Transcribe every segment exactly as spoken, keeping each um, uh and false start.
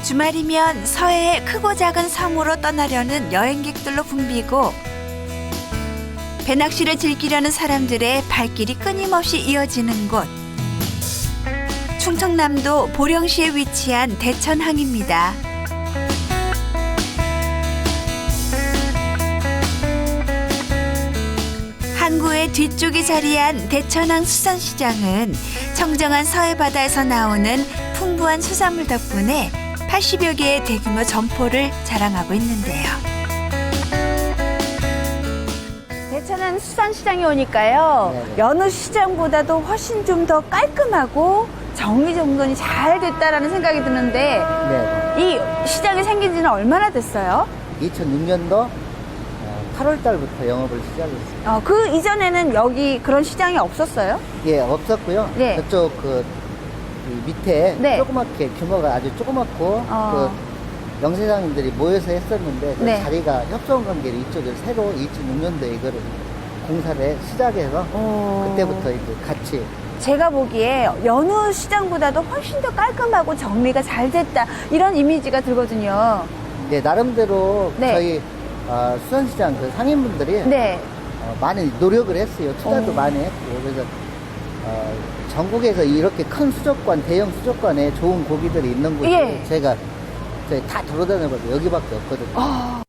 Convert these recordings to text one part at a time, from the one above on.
주말이면 서해의 크고 작은 섬으로 떠나려는 여행객들로 붐비고 배낚시를 즐기려는 사람들의 발길이 끊임없이 이어지는 곳. 충청남도 보령시에 위치한 대천항입니다. 항구의 뒤쪽에 자리한 대천항 수산시장은 청정한 서해 바다에서 나오는 풍부한 수산물 덕분에 팔십여 개의 대규모 점포를 자랑하고 있는데요. 대천항 수산시장에 오니까요. 네네. 여느 시장보다도 훨씬 좀 더 깔끔하고 정리정돈이 잘 됐다라는 생각이 드는데 네. 이 시장이 생긴 지는 얼마나 됐어요? 이천육 년도 팔월 달부터 영업을 시작했어요. 어, 그 이전에는 여기 그런 시장이 없었어요? 예, 없었고요. 네. 저쪽 그, 이 밑에 네. 조그맣게 규모가 아주 조그맣고 어. 그 영세장님들이 모여서 했었는데 그 네. 자리가 협동 관계로 이쪽을 새로 이천육 년도에 이거를 공사를 시작해서 어. 그때부터 이제 같이 제가 보기에 여느 시장보다도 훨씬 더 깔끔하고 정리가 잘 됐다 이런 이미지가 들거든요. 네, 나름대로 네. 저희 어, 수산시장 그 상인분들이 네. 어, 많이 노력을 했어요. 투자도 어. 많이 했고 그래서 어, 전국에서 이렇게 큰 수족관, 대형 수족관에 좋은 고기들이 있는 곳이 예. 제가 저희 다 돌아다녀봐도 여기밖에 없거든요. 어.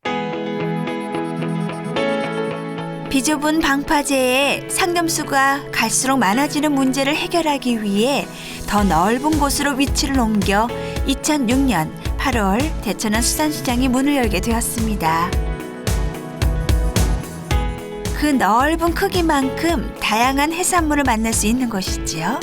비좁은 방파제에 상점수가 갈수록 많아지는 문제를 해결하기 위해 더 넓은 곳으로 위치를 옮겨 이천육 년 팔월 대천항 수산시장이 문을 열게 되었습니다. 그 넓은 크기만큼 다양한 해산물을 만날 수 있는 것이지요.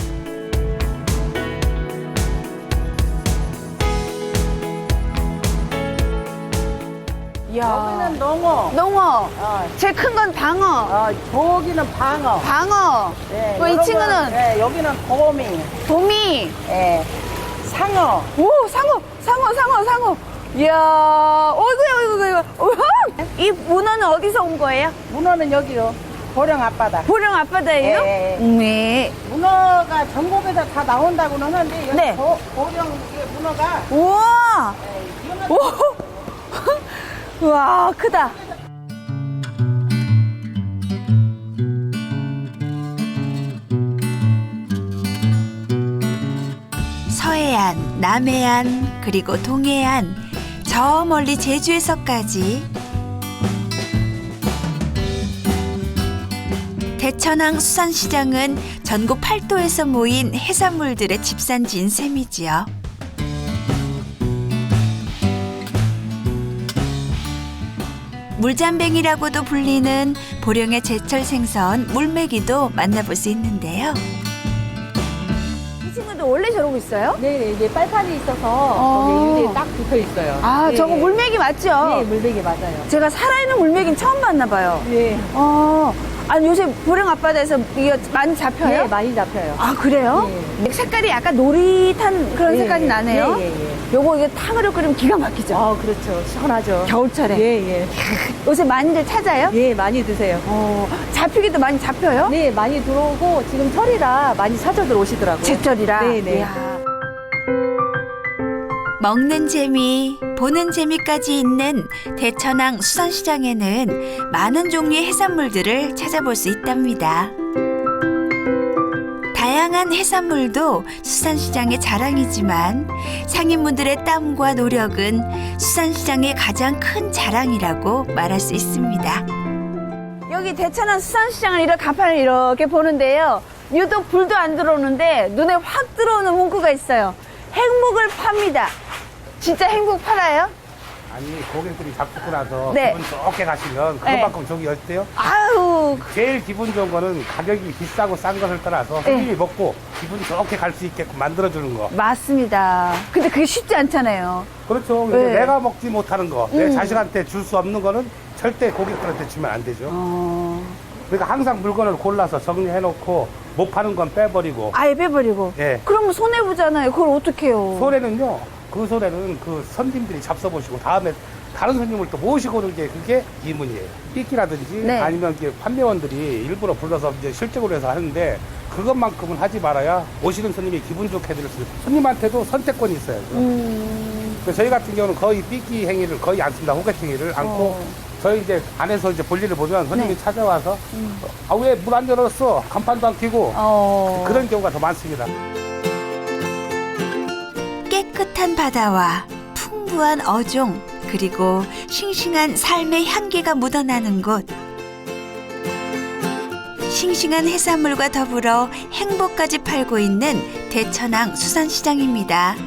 여기는 농어, 농어, 어, 제일 큰 건 방어, 어, 저기는 방어. 방어, 예, 뭐 이 요런 친구는 건, 예, 여기는 도미, 도미, 예, 상어. 오 상어, 상어, 상어, 상어. 이야, 어이구, 어이구, 어이구. 이 문어는 어디서 온 거예요? 문어는 여기요, 보령 앞바다. 보령 앞바다예요? 예, 예. 네. 문어가 전국에서 다 나온다고는 하는데 여기 네. 보, 보령 이게 문어가 우와, 예, 이거는 오, 우와, 크다. 서해안, 남해안, 그리고 동해안, 저 멀리 제주에서까지 대천항 수산시장은 전국 팔도에서 모인 해산물들의 집산지인 셈이지요. 물잠뱅이라고도 불리는 보령의 제철 생선 물메기도 만나볼 수 있는데요. 이 친구도 원래 저러고 있어요? 네, 이게 빨판이 있어서 어. 거기 유리에 딱 붙어 있어요. 아, 네. 저거 물메기 맞죠? 네, 물베개 맞아요. 제가 살아있는 물메기는 처음 봤나 봐요. 네. 어, 아니 요새 보령 앞바다에서 이거 많이 잡혀요? 네, 많이 잡혀요. 아, 그래요? 색깔이 약간 노릿한 그런 네, 색깔이 나네요. 예, 예, 예. 요거 이거 탕으로 끓이면 기가 막히죠? 아, 그렇죠. 시원하죠. 겨울철에. 예, 예. 요새 많이들 찾아요? 예, 많이 드세요. 어, 잡히기도 많이 잡혀요? 네, 많이 들어오고 지금 철이라 많이 찾아들 오시더라고요. 제철이라. 네, 네. 이야. 먹는 재미, 보는 재미까지 있는 대천항 수산시장에는 많은 종류의 해산물들을 찾아볼 수 있답니다. 다양한 해산물도 수산시장의 자랑이지만 상인분들의 땀과 노력은 수산시장의 가장 큰 자랑이라고 말할 수 있습니다. 여기 대천항 수산시장을 이렇게 간판을 이렇게 보는데요. 유독 불도 안 들어오는데 눈에 확 들어오는 문구가 있어요. 행복을 팝니다. 진짜 행복 팔아요? 아니 고객들이 잡수고 나서 네. 기분 좋게 가시면 그것만큼 저기 어때요? 아유, 제일 기분 좋은 거는 가격이 비싸고 싼 것을 떠나서 네. 손님이 먹고 기분 좋게 갈 수 있게끔 만들어주는 거. 맞습니다. 근데 그게 쉽지 않잖아요. 그렇죠. 네. 내가 먹지 못하는 거, 음. 내 자식한테 줄 수 없는 거는 절대 고객들한테 주면 안 되죠. 어, 그러니까 항상 물건을 골라서 정리해놓고 못 파는 건 빼버리고. 아예 빼버리고. 예. 그러면 손해보잖아요. 그걸 어떡해요. 소래는요, 그 소래는 그 손님들이 잡숴보시고 다음에 다른 손님을 또 모시고 오는 게 그게 이문이에요. 삐끼라든지 네. 아니면 이렇게 판매원들이 일부러 불러서 이제 실적으로 해서 하는데 그것만큼은 하지 말아야 오시는 손님이 기분 좋게 해드릴 수 있어요. 손님한테도 선택권이 있어요. 음. 그래서 저희 같은 경우는 거의 삐끼 행위를 거의 안 씁니다. 호객 행위를 않고 어. 저희 이제 안에서 이제 볼일을 보면 손님이 네. 찾아와서 아, 왜 문 안 열었어? 간판도 안 켜고 어. 그런 경우가 더 많습니다. 깨끗한 바다와 풍부한 어종, 그리고 싱싱한 삶의 향기가 묻어나는 곳. 싱싱한 해산물과 더불어 행복까지 팔고 있는 대천항 수산시장입니다.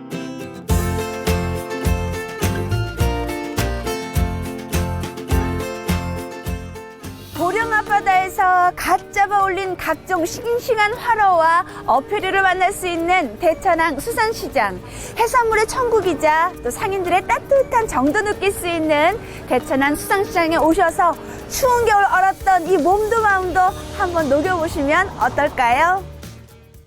보령 앞바다에서 갓 잡아 올린 각종 싱싱한 활어와 어패류를 만날 수 있는 대천항 수산시장. 해산물의 천국이자 또 상인들의 따뜻한 정도 느낄 수 있는 대천항 수산시장에 오셔서 추운 겨울 얼었던 이 몸도 마음도 한번 녹여보시면 어떨까요?